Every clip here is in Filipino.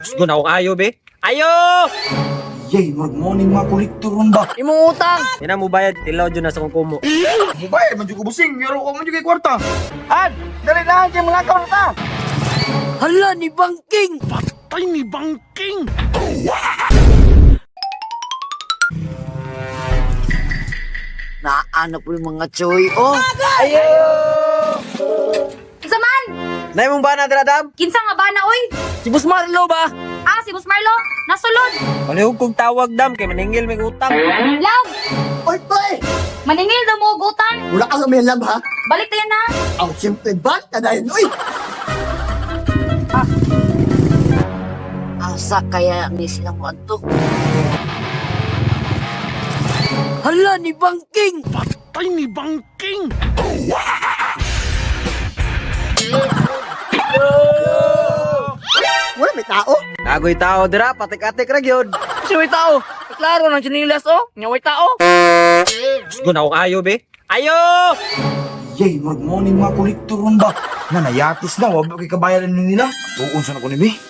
Gusto na ako ayo, be. Ayo! Yay, morning mga kolektor ron ba? Imong utang. Ina mo bayad, tilaw dyan na sa kong kumo. Mubay, man ko busing, pero ko man kay kwarta. Ad, dali na kay mga kaon ta. Hala ni Bangking. Patay ni Bangking! Naano po yung mga choy. Oh, Kinsa man? Nay mong ba na, Dradam? Kinsa nga ba na, oy? si Boss Marlo ba? Ah, si Boss Marlo, nasulod. Palihog kong tawag, Dam, kay maningil may utang. Love, Oy, boy! maningil daw mo og utang. Wala ka may lab, ha? Balik tayo na. Aw, siyempre, ba't ka dahil? Uy! Asa kaya ni silang wanto? Hala ni Bangking. Patay ni Bangking! Wala may tao? Nagoy tao, dira, patik-atik ra gyud. Si way tao. Klaro ng chinilas oh. Nya way tao. Gusto na ako ayo, be. Ayo! Yay, morning mga kolektor ron ba? Na nayatis na, wag kay kabayaran nila. Tuon sa na ko ni be.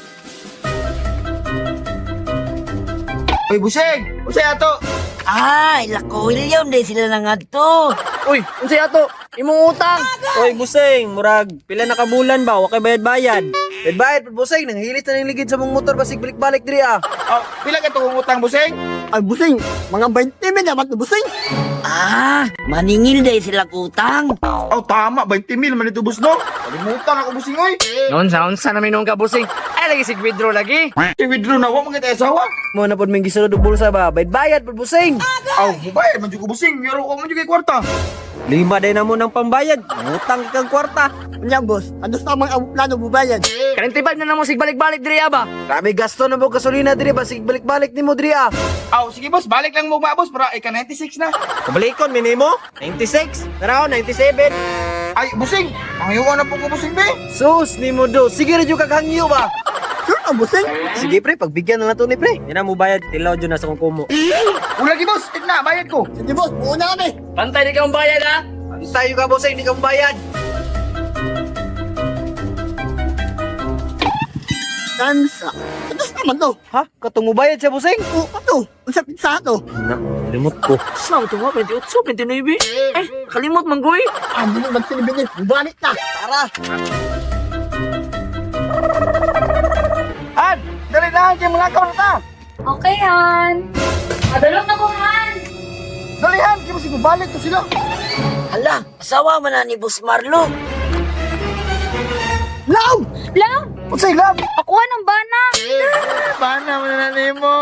Oy, busing! Busing ato! Ay, lako William day sila na nga to. Uy, unsay ato? Imong utang. Oy, busing, murag, pila na kabulan ba? Wa kay bayad-bayad. Bayad, busing, nanghilis na ng ligid sa mong motor, basig balik-balik diri ah. Oh, pila ka itong utang, busing? Ay, busing! Mga 20 min naman na busing! Ah, maningil day sila utang. Oh, tama, 20 mil man ito, bus, no? Kalimutan ako, busing, oy! Unsa na minong ka busing. Ay lagi si withdraw lagi. I-withdraw na ako, mga asawa. Mo na pod may gisulod og bulsa ba? Bayad pod, busing. Aw, mubay, man ko busing, pero ko man kay kwarta. Lima day na mo ng pambayad. Utang kang kwarta. Kanya, boss, ano sa mga plano bubayan? Karintibad na namo sig balik-balik diri ba? Grabe gasto na mo gasolina diri, basig balik-balik nimo diri ah. Aw, sige, boss, balik lang mo ba, boss, para ika 96 na. Kabalikon minimo 96, tara 97. Ay, busing, pangyuan na po ko, busing, be. Sus nimo do. Sige ra jud kaghangyo ba. Sure ang busing? Sige pre, pagbigyan na nato ni pre. Ina mo bayad, tilaw dyan na sa kong kumo. Ula lagi, boss, tigna, bayad ko. Sige, boss, buuna kami! Pantay di ka mong bayad ha. Tayo ka boss, hindi ka bayad. Tansa! Ano naman to? Ha? Katong mo bayad siya busing? O, ano? Ang sa pizza to? Na, limot ko. Sa ito nga 28, 29. Eh, kalimot manggoy. Ah, hindi naman sinibinin. Bumalik na! Tara. Ad, dali na kay mga kaon ta. Okay, Han. Madalog na ko, Han. Dalihan, kaya masig balik to sila. Hala, asawa man na ni Boss Marlo. Law! Love, Unsay lab? pakuha ng bana. Bana mo na nimo.